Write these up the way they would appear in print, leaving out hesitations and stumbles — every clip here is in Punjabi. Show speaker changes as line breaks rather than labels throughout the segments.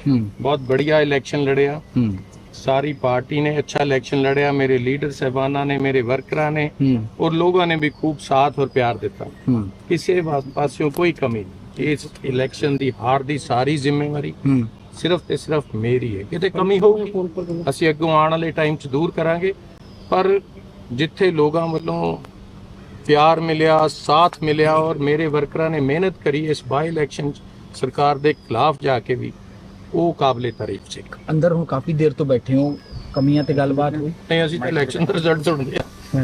बहुत बढ़िया इलेक्शन लड़िया। सारी पार्टी ने अच्छा इलेक्शन लड़िया, मेरे लीडर साहबाना ने, मेरे वर्करां ने और लोगों ने भी खूब साथ और प्यार दिता। किसी पासों कोई कमी नहीं। इस इलेक्शन की हार की सारी जिम्मेवारी सिर्फ ते सिर्फ मेरी है। किते कमी होगी ਅਸੀਂ ਅੱਗੋਂ ਆਉਣ ਵਾਲੇ ਟਾਈਮ 'ਚ ਦੂਰ ਕਰਾਂਗੇ, ਪਰ ਜਿੱਥੇ ਲੋਕਾਂ ਵੱਲੋਂ ਪਿਆਰ ਮਿਲਿਆ, ਸਾਥ ਮਿਲਿਆ ਔਰ ਮੇਰੇ ਵਰਕਰਾਂ ਨੇ ਮਿਹਨਤ ਕਰੀ ਇਸ ਬਾਈ ਇਲੈਕਸ਼ਨ 'ਚ ਸਰਕਾਰ ਦੇ ਖਿਲਾਫ ਜਾ ਕੇ ਵੀ, ਉਹ ਕਾਬਲੇ ਤਾਰੀਫ ਸੀ।
ਅੰਦਰ ਹੁਣ ਕਾਫੀ ਦੇਰ ਤੋਂ ਬੈਠੇ ਹੋ, ਕਮੀਆਂ ਤੇ ਗੱਲਬਾਤ ਹੋਈ?
ਨਹੀਂ, ਅਸੀਂ ਤਾਂ ਇਲੈਕਸ਼ਨ ਦਾ ਰਿਜ਼ਲਟ ਸੁਣਦੇ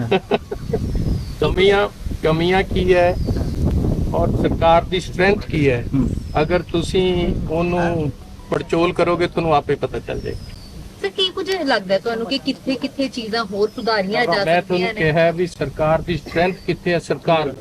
ਆ। ਕਮੀਆਂ ਕੀ ਹੈ ਔਰ ਸਰਕਾਰ ਦੀ ਸਟਰੈਂਥ ਕੀ ਹੈ, ਅਗਰ ਤੁਸੀਂ ਉਹਨੂੰ ਪੜਚੋਲ ਕਰੋਗੇ ਤੁਹਾਨੂੰ ਆਪੇ ਪਤਾ ਚੱਲ ਜਾਏਗਾ।
ਸਰ ਕੀ ਕੁਝ ਲੱਗਦਾ ਤੁਹਾਨੂੰ ਕਿ ਕਿੱਥੇ ਚੀਜ਼ਾਂ ਹੋਰ ਸੁਧਾਰੀਆਂ ਜਾ
ਮੈਂ
ਸਕਦੀਆਂ
ਤੁਹਾਨੂੰ
ਨੇ?
ਕਿਹਾ ਵੀ ਸਰਕਾਰ ਦੀ ਸਟਰੈਂਥ ਕਿੱਥੇ ਹੈ, ਸਰਕਾਰ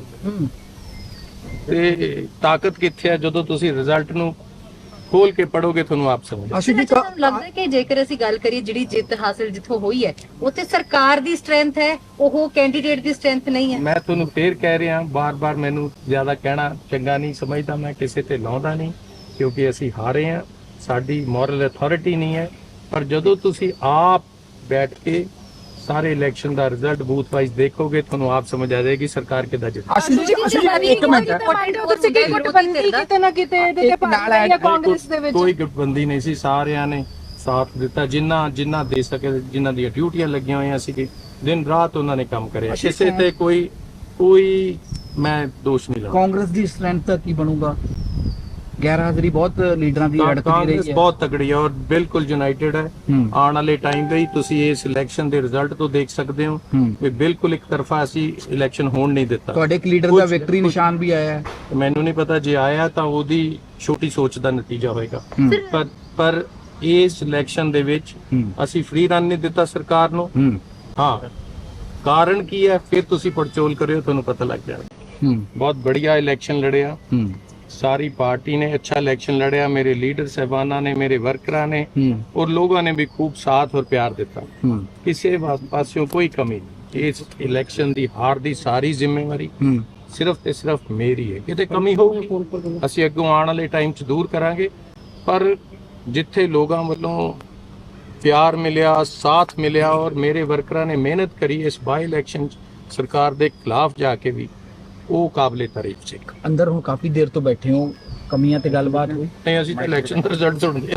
ਤੇ ਤਾਕਤ ਕਿੱਥੇ ਹੈ, ਜਦੋਂ ਤੁਸੀਂ ਰਿਜ਼ਲਟ ਨੂੰ ਖੋਲ ਕੇ ਪੜੋਗੇ ਤੁਹਾਨੂੰ ਆਪ ਸਮਝ
ਅਸੀਂ ਵੀ
ਤੁਹਾਨੂੰ ਲੱਗਦਾ ਹੈ ਕਿ ਜੇਕਰ ਅਸੀਂ ਗੱਲ ਕਰੀਏ ਜਿਹੜੀ ਜਿੱਤ ਹਾਸਲ ਜਿੱਥੋਂ ਹੋਈ ਹੈ ਉੱਥੇ ਸਰਕਾਰ ਦੀ ਸਟਰੈਂਥ ਹੈ, ਉਹ ਕੈਂਡੀਡੇਟ ਦੀ ਸਟਰੈਂਥ ਨਹੀਂ ਹੈ?
ਮੈਂ ਤੁਹਾਨੂੰ ਫੇਰ ਕਹਿ ਰਿਹਾ, ਬਾਰ-ਬਾਰ ਮੈਨੂੰ ਜ਼ਿਆਦਾ ਕਹਿਣਾ ਚੰਗਾ ਨਹੀਂ ਸਮਝਦਾ, ਮੈਂ ਕਿਸੇ ਤੇ ਲਾਉਂਦਾ ਨਹੀਂ, ਕਿਉਂਕਿ ਅਸੀਂ ਹਾਰੇ ਹਾਂ, ਸਾਡੀ ਮੋਰਲ ਅਥਾਰਟੀ ਨਹੀਂ ਹੈ। ਪਰ ਜਦੋਂ ਤੁਸੀਂ ਆਪ ਬੈਠ ਕੇ ਸਾਰੇ ਇਲੈਕਸ਼ਨ ਦਾ ਰਿਜ਼ਲਟ ਬੂਥ ਵਾਈਜ਼ ਦੇਖੋਗੇ ਤੁਹਾਨੂੰ ਆਪ ਸਮਝ ਆ ਜਾਏਗੀ ਸਰਕਾਰ ਕਿੱਦਾਂ ਜਿੱਤ।
ਅਸੀਂ ਇੱਕ ਮਿੰਟ
ਤੁਸੀਂ ਕੀ ਗੁੱਟਬੰਦੀ ਕਿਤੇ ਨਾ ਕਿਤੇ ਇਹਦੇ ਤੇ ਪਾਰਟੀ ਜਾਂ ਕਾਂਗਰਸ ਦੇ ਵਿੱਚ
ਕੋਈ ਗੁੱਟਬੰਦੀ ਨਹੀਂ ਸੀ, ਸਾਰਿਆਂ ਨੇ ਸਾਥ ਦਿੱਤਾ, ਜਿੰਨਾ ਦੇ ਸਕੇ, ਜਿਨ੍ਹਾਂ ਦੀਆਂ ਡਿਊਟੀਆਂ ਲੱਗੀਆਂ ਹੋਈਆਂ ਸੀ, ਦਿਨ ਰਾਤ ਉਹਨਾਂ ਨੇ ਕੰਮ ਕਰਿਆ। ਕਿਸੇ ਤੇ ਕੋਈ ਮੈਂ ਦੋਸ਼ ਨਹੀਂ ਲਾਉਂਦਾ।
ਕਾਂਗਰਸ ਦੀ ਸਟਰੈਂਥ ਦਾ ਕੀ ਬਣੂਗਾ? ਗੈਰ ਹਾਜ਼ਰੀ ਬਹੁਤ ਲੀਡਰਾਂ ਦੀ ਅੜਕਦੀ ਰਹੀ
ਕਾਂਗਰਸ
ਹੈ।
ਬਹੁਤ ਤਗੜੀ ਹੈ ਔਰ ਬਿਲਕੁਲ ਯੂਨਾਈਟਿਡ ਹੈ। ਆਉਣ ਵਾਲੇ ਟਾਈਮ ਦੇ ਹੀ ਤੁਸੀਂ ਇਸ ਇਲੈਕਸ਼ਨ ਦੇ ਰਿਜ਼ਲਟ ਤੋਂ ਦੇਖ ਸਕਦੇ ਹੋ ਕਿ ਬਿਲਕੁਲ ਇੱਕ ਤਰਫਾ ਅਸੀਂ ਇਲੈਕਸ਼ਨ ਹੋਣ ਨਹੀਂ ਦਿੱਤਾ।
ਤੁਹਾਡੇ ਇੱਕ ਲੀਡਰ ਦਾ ਵਿਕਟਰੀ ਨਿਸ਼ਾਨ ਵੀ ਆਇਆ ਹੈ।
ਮੈਨੂੰ ਨਹੀਂ ਪਤਾ, ਜੇ ਆਇਆ ਤਾਂ ਉਹਦੀ ਛੋਟੀ ਸੋਚ ਦਾ ਨਤੀਜਾ ਹੋਏਗਾ। ਪਰ ਇਸ ਇਲੈਕਸ਼ਨ ਦੇ ਵਿੱਚ ਅਸੀਂ ਫ੍ਰੀ ਰਨ ਨਹੀਂ ਦਿੱਤਾ ਸਰਕਾਰ ਨੂੰ। ਹਾਂ, ਕਾਰਨ ਕੀ ਹੈ ਫਿਰ ਤੁਸੀਂ ਪੜਚੋਲ ਕਰਿਓ, ਤੁਹਾਨੂੰ ਪਤਾ ਲੱਗ ਜਾਏਗਾ। ਬਹੁਤ बढ़िया इलेक्शन लड़िया। सारी पार्टी ने अच्छा इलेक्शन लड़िया, मेरे लीडर साहबाना ने, मेरे वर्करां ने और लोगों ने भी खूब साथ और प्यार दिता। किसी पासों कोई कमी नहीं। इस इलेक्शन की हार की सारी जिम्मेवारी सिर्फ ते सिर्फ मेरी है। किते कमी होगी ਅਸੀਂ ਅੱਗੋਂ ਆਉਣ ਵਾਲੇ ਟਾਈਮ 'ਚ ਦੂਰ ਕਰਾਂਗੇ, ਪਰ ਜਿੱਥੇ ਲੋਕਾਂ ਵੱਲੋਂ ਪਿਆਰ ਮਿਲਿਆ, ਸਾਥ ਮਿਲਿਆ ਔਰ ਮੇਰੇ ਵਰਕਰਾਂ ਨੇ ਮਿਹਨਤ ਕਰੀ ਇਸ ਬਾਈ ਇਲੈਕਸ਼ਨ 'ਚ ਸਰਕਾਰ ਦੇ ਖਿਲਾਫ ਜਾ ਕੇ ਵੀ, ਉਹ ਕਾਬਲੇ ਤਾਰੀਫ ਸੀ।
ਅੰਦਰ ਹੁਣ ਕਾਫੀ ਦੇਰ ਤੋਂ ਬੈਠੇ ਹੋ, ਕਮੀਆਂ ਤੇ ਗੱਲਬਾਤ ਹੋਈ?
ਨਹੀਂ, ਅਸੀਂ ਤਾਂ ਇਲੈਕਸ਼ਨ ਦਾ ਰਿਜ਼ਲਟ ਸੁਣਦੇ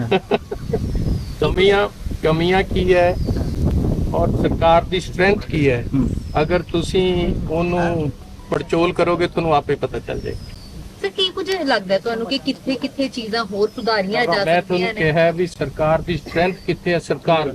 ਆ। ਕਮੀਆਂ ਕੀ ਹੈ ਔਰ ਸਰਕਾਰ ਦੀ ਸਟਰੈਂਥ ਕੀ ਹੈ, ਅਗਰ ਤੁਸੀਂ ਉਹਨੂੰ ਪੜਚੋਲ ਕਰੋਗੇ ਤੁਹਾਨੂੰ ਆਪੇ ਪਤਾ ਚੱਲ ਜਾਏਗਾ।
ਸਰ ਕੀ ਕੁਝ ਲੱਗਦਾ ਤੁਹਾਨੂੰ ਕਿ ਕਿੱਥੇ ਚੀਜ਼ਾਂ ਹੋਰ ਸੁਧਾਰੀਆਂ ਜਾ
ਮੈਂ
ਸਕਦੀਆਂ
ਤੁਹਾਨੂੰ
ਨੇ?
ਕਿਹਾ ਵੀ ਸਰਕਾਰ ਦੀ ਸਟਰੈਂਥ ਕਿੱਥੇ ਹੈ, ਸਰਕਾਰ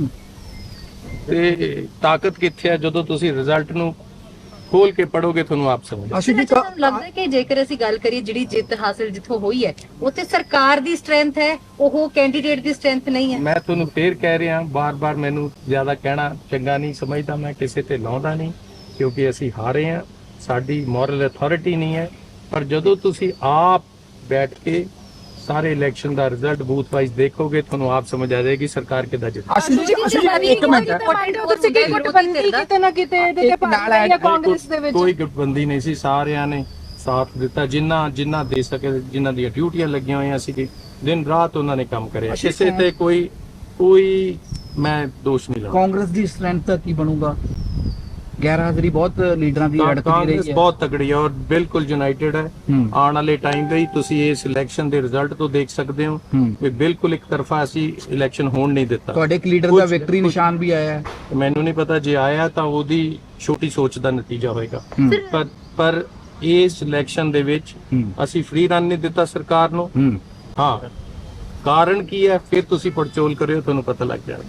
ਤੇ ਤਾਕਤ ਕਿੱਥੇ ਹੈ, ਜਦੋਂ ਤੁਸੀਂ ਰਿਜ਼ਲਟ ਨੂੰ ਖੋਲ ਕੇ ਪੜੋਗੇ ਤੁਹਾਨੂੰ ਆਪ ਸਮਝ
ਅਸੀਂ ਵੀ
ਤੁਹਾਨੂੰ ਲੱਗਦਾ ਹੈ ਕਿ ਜੇਕਰ ਅਸੀਂ ਗੱਲ ਕਰੀਏ ਜਿਹੜੀ ਜਿੱਤ ਹਾਸਲ ਜਿੱਥੋਂ ਹੋਈ ਹੈ ਉੱਥੇ ਸਰਕਾਰ ਦੀ ਸਟਰੈਂਥ ਹੈ, ਉਹ ਕੈਂਡੀਡੇਟ ਦੀ ਸਟਰੈਂਥ ਨਹੀਂ ਹੈ?
ਮੈਂ ਤੁਹਾਨੂੰ ਫੇਰ ਕਹਿ ਰਿਹਾ, ਬਾਰ-ਬਾਰ ਮੈਨੂੰ ਜ਼ਿਆਦਾ ਕਹਿਣਾ ਚੰਗਾ ਨਹੀਂ ਸਮਝਦਾ, ਮੈਂ ਕਿਸੇ ਤੇ ਲਾਉਂਦਾ ਨਹੀਂ, ਕਿਉਂਕਿ ਅਸੀਂ ਹਾਰੇ ਹਾਂ, ਸਾਡੀ ਮੋਰਲ ਅਥਾਰਟੀ ਨਹੀਂ ਹੈ। ਪਰ ਜਦੋਂ ਤੁਸੀਂ ਆਪ ਬੈਠ ਕੇ ਸਾਰੇ ਇਲੈਕਸ਼ਨ ਦਾ ਰਿਜ਼ਲਟ ਬੂਥ ਵਾਈਜ਼ ਦੇਖੋਗੇ ਤੁਹਾਨੂੰ ਆਪ ਸਮਝ ਆ ਜਾਏਗੀ ਸਰਕਾਰ ਕਿੱਦਾਂ ਜਿੱਤ।
ਅਸੀਂ ਇੱਕ ਮਿੰਟ
ਤੁਸੀਂ ਕੀ ਗੁੱਟਬੰਦੀ ਕਿਤੇ ਨਾ ਕਿਤੇ ਇਹਦੇ ਤੇ ਪਾਰਟੀ ਜਾਂ ਕਾਂਗਰਸ ਦੇ ਵਿੱਚ
ਕੋਈ ਗੁੱਟਬੰਦੀ ਨਹੀਂ ਸੀ, ਸਾਰਿਆਂ ਨੇ ਸਾਥ ਦਿੱਤਾ, ਜਿਨ੍ਹਾਂ ਦੇ ਸਕੇ, ਜਿਨ੍ਹਾਂ ਦੀਆਂ ਡਿਊਟੀਆਂ ਲੱਗੀਆਂ ਹੋਈਆਂ ਸੀ, ਦਿਨ ਰਾਤ ਉਹਨਾਂ ਨੇ ਕੰਮ ਕਰਿਆ। ਕਿਸੇ ਤੇ ਕੋਈ ਮੈਂ ਦੋਸ਼ ਨਹੀਂ ਲਾਉਂਦਾ।
ਕਾਂਗਰਸ ਦੀ ਸਟਰੈਂਥ ਦਾ ਕੀ ਬਣੂਗਾ? ਗੈਰ ਹਾਜ਼ਰੀ ਬਹੁਤ ਲੀਡਰਾਂ ਦੀ ਅੜਕਦੀ ਰਹੀ
ਕਾਂਗਰਸ
ਹੈ।
ਬਹੁਤ ਤਗੜੀ ਹੈ ਔਰ ਬਿਲਕੁਲ ਯੂਨਾਈਟਿਡ ਹੈ। ਆਉਣ ਵਾਲੇ ਟਾਈਮ ਦੇ ਹੀ ਤੁਸੀਂ ਇਸ ਇਲੈਕਸ਼ਨ ਦੇ ਰਿਜ਼ਲਟ ਤੋਂ ਦੇਖ ਸਕਦੇ ਹੋ ਕਿ ਬਿਲਕੁਲ ਇੱਕ ਤਰਫਾ ਅਸੀਂ ਇਲੈਕਸ਼ਨ ਹੋਣ ਨਹੀਂ ਦਿੱਤਾ।
ਤੁਹਾਡੇ ਇੱਕ ਲੀਡਰ ਦਾ ਵਿਕਟਰੀ ਨਿਸ਼ਾਨ ਵੀ ਆਇਆ ਹੈ।
ਮੈਨੂੰ ਨਹੀਂ ਪਤਾ, ਜੇ ਆਇਆ ਤਾਂ ਉਹਦੀ ਛੋਟੀ ਸੋਚ ਦਾ ਨਤੀਜਾ ਹੋਏਗਾ। ਪਰ ਇਸ ਇਲੈਕਸ਼ਨ ਦੇ ਵਿੱਚ ਅਸੀਂ ਫ੍ਰੀ ਰਨ ਨਹੀਂ ਦਿੱਤਾ ਸਰਕਾਰ ਨੂੰ। ਹਾਂ, ਕਾਰਨ ਕੀ ਹੈ ਫਿਰ ਤੁਸੀਂ ਪੜਚੋਲ ਕਰਿਓ, ਤੁਹਾਨੂੰ ਪਤਾ ਲੱਗ ਜਾਏਗਾ।